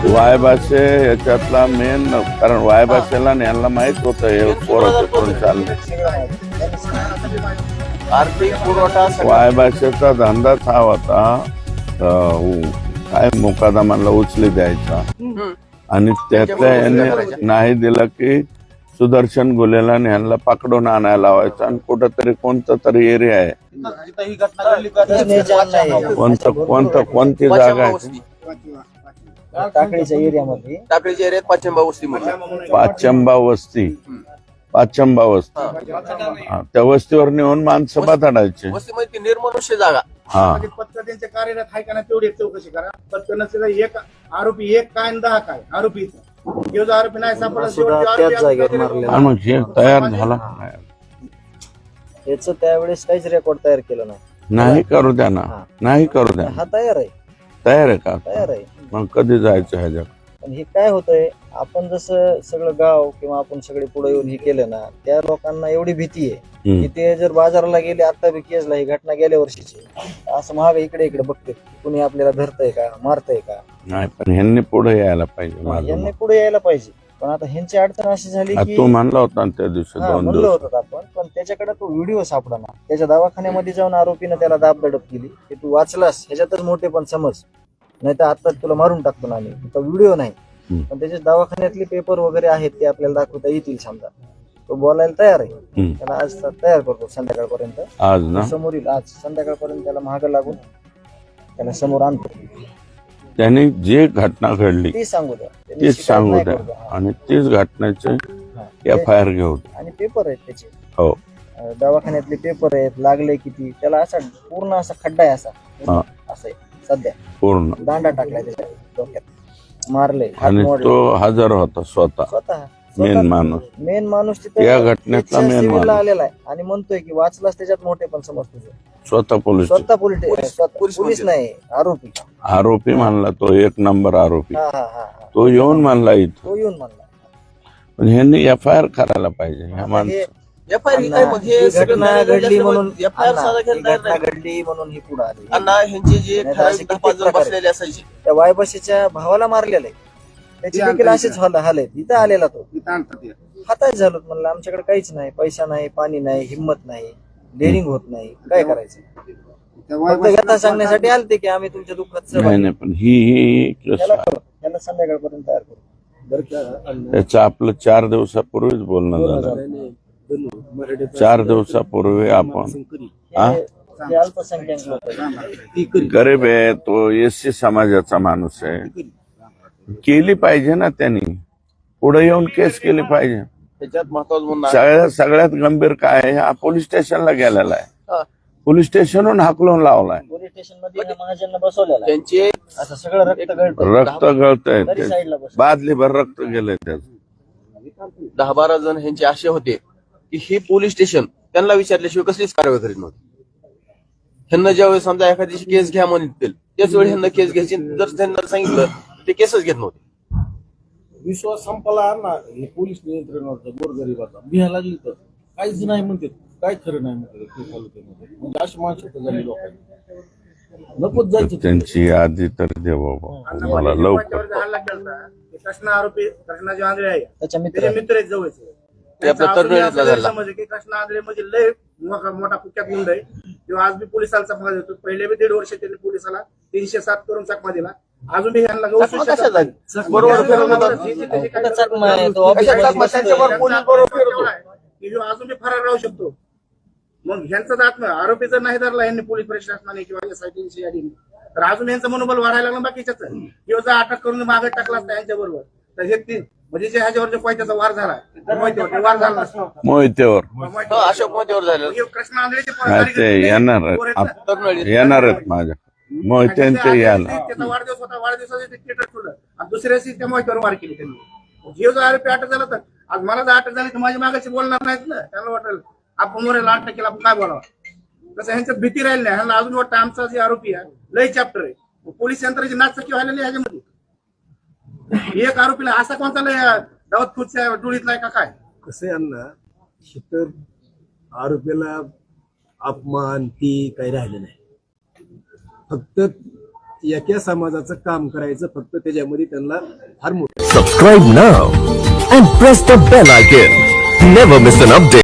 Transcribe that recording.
Y भाषे याच्यातला main, कारण वाय भाषेला यांना माहित होतं हे पोरं करून चालले. आर्थिक पुरवठा वाय भाषेचा धंदाच हा होता, काय मुकादमाला उचली द्यायचा आणि त्यातल्या याने नाही दिलं की सुदर्शन गुलेला ह्यांना पकडून आणायला लावायचं आणि कुठंतरी कोणतं तरी एरिया आहे, कोणती जागा आहे टाकळीच्या एरियामध्ये, टाकळीच्या एरियात पाचंबा वस्तीमध्ये, पाचंबा वस्ती त्या वस्तीवर नेऊन माणसं बताडायचे. वस्तीमध्ये ती निर्मनुष्य जागा. हा पत्र त्यांच्या कार्यरत आहे का नाही तेवढी चौकशी करा. पत्र नसेल एक आरोपी 1 काय आणि 10 काय आरोपी आरोपी नाही त्याच जागेवर मारले. आणि मग हे तयार झाला याच त्यावेळेस काहीच रेकॉर्ड तयार केलं नाही करू द्या ना, नाही करू द्या. हा तयार आहे, तयार आहे का? तयार आहे. मग कधी जायचं ह्याच्यात? पण हे काय होतंय, आपण जसं सगळं गाव किंवा आपण सगळे पुढे येऊन हे केलं ना, त्या लोकांना एवढी भीती आहे की ते जर बाजाराला गेले, आता बी केसला ही घटना गेल्या वर्षीची, असं महाग इकडे इकडे बघते कुणी आपल्याला धरतय का, मारतय का. नाही, पण ह्यांनी पुढे यायला पाहिजे. यांनी पुढे यायला पाहिजे. पण आता ह्यांची अडचण अशी झाली की तू म्हणला होता त्या दिवशी, म्हणलं होतं आपण, पण त्याच्याकडे तो व्हिडिओ सापडला. त्याच्या दवाखान्यामध्ये जाऊन आरोपीनं त्याला दाबदडप केली की तू वाचलास ह्याच्यातच मोठे पण समज, नाही तर आता तुला मारून टाकतो ना आम्ही. तो व्हिडिओ नाही, पण त्याच्या दवाखान्यातले पेपर वगैरे आहेत ते आपल्याला दाखवता येतील. समजा तो बोलायला तयार आहे, त्याला आज तयार करतो संध्याकाळपर्यंत. आज ना समोर येईल, आज संध्याकाळपर्यंत त्याला महाग लागून त्याला समोर आणतो. त्यांनी जे घटना घडली ती सांगू द्या, तीच सांगू द्या आणि तीच घटनेचे FIR घेऊ द्या. आणि पेपर आहेत त्याचे, हो दवाखान्यातले पेपर आहेत, लागले किती, त्याला असा पूर्ण असा खड्डा आहे, असा असं आहे सध्या, पूर्ण दांडा टाकलाय त्याच्या डोक्यात, मारले. आणि तो हजर होता स्वतः मेन माणूस तिथे या घटनेतला मेन माणूस आलेला आहे आणि म्हणतोय की वाचलाच त्याच्यात मोठे पण समज तुझे. स्वतः पोलीस नाही, आरोपी म्हणला तो, 1 नंबर आरोपी. हा तो येऊन म्हणला इथं, तो येऊन म्हणला. पण ह्यांनी FIR करायला पाहिजे ह्या माणसं. घटना घडली म्हणून ही पुढे आली. ह्यांचे जे 10-5 जण बसलेले असायचे, त्या वायबशीच्या भावाला मारलेलं आहे, त्याची देखील असेच हाल आहेत. इथं आलेला तो हाताच झालो. म्हणलं आमच्याकडे काहीच नाही, पैसा नाही, पाणी नाही, हिंमत नाही, डेअरिंग होत नाही, काय करायचं. फक्त व्यथा सांगण्यासाठी आलते की आम्ही तुमच्या दुःखात नाही, पण ही त्याला संध्याकाळपर्यंत तयार करू. त्याचं आपलं 4 दिवसापूर्वीच बोलणं झालं. 4 दिवसापूर्वी आपण अल्पसंख्याक लोक, गरीब आहे तो, SC समाजाचा माणूस आहे, केली पाहिजे ना त्यांनी, पुढे येऊन केस केली पाहिजे. त्याच्यात महत्वाचं सगळ्यात गंभीर काय आहे, हा पोलीस स्टेशनला गेलेला आहे, पोलीस स्टेशनहून हाकलून लावलाय, पोलीस स्टेशन मध्ये महाजन बसवलेला आहे. त्यांचे असं सगळं रक्त गळतंय, बादलीभर रक्त गेलंय त्याचं. 10-12 जण ह्यांचे असे होते की हे पोलीस स्टेशन त्यांना विचारल्याशिवाय कसलीच कारवाई करीत नव्हती. ह्यांना ज्यावेळेस समजा एखाद्याची केस घ्या म्हणतील त्याच वेळी ह्यांना केस घ्यायची, जर त्यांना सांगितलं ते केसच घेत नव्हते. विश्वास संपला ना हे पोलीस नियंत्रणावरचा गोरगरिबाचा. भिया लागली तर काहीच नाही म्हणते, काय खरं नाही म्हणते तालुक्यामध्ये. म्हणजे अशी मानसिकता झाली लोकांनी, नकोच जायचं. त्यांची यादी तर दे बाबा मला लवकर. कृष्णा आरोपी कृष्णा जे आंधळे आहे त्याच्या मित्र आहेत जवळचे, कृष्णा आंधळे म्हणजे लय मोठा कुख्यात गुंड आहे. किंवा आज बी पोलिसाला चकमा देतो. पहिले बी 1.5 वर्ष त्यांनी पोलिसाला 307 करून चकमा दिला. अजून बी ह्यांना अजून बी फरार राहू शकतो. मग ह्यांचा आत्मा आरोपी जर नाही धरला यांनी पोलीस प्रशासनाने किंवा SIT तर अजून यांचं मनोबल वाढायला लागलं बाकीच्याच. किंवा जर अटक करून मागे टाकला असता यांच्या बरोबर तर हे 3 म्हणजे जे ह्याच्यावर जो पैशाचा वार झाला वार झाला मोहितेवर, अशोक मोहितेवर झालं. कृष्णा आंधळेचे येणार आहेत माझ्या मोहित्यांचे यायला. त्याचा वाढदिवस होता, वाढदिवसाचे थिएटर ठेवलं आणि दुसऱ्या दिवशी त्या मोहितेवर वार केली त्यांनी. जीव जर आरोपी अटक झाला तर आज मला जर अटक झाली तर माझ्या मागाशी बोलणार नाहीत ना. त्यांना वाटेल आपण मोरेला अटक केला, आपण काय बोलावं. तसं ह्यांचं भीती राहिली नाही. ह्यांना अजून वाटतं आमचा जे आरोपी आहे लय चॅप्टर आहे. पोलीस यंत्राची नाचकी व्हायला ह्याच्यामध्ये. एक आरोपीला असा कोणता लय दावत खुर्च्या डोळीतला का काय. कसं आहे अण्णा, तर आरोपीला अपमान ती काही राहिलं नाही. फक्त एका समाजाचं काम करायचं, फक्त त्याच्यामध्ये त्यांना फार मोठं Subscribe now and press the bell icon. Never miss an update.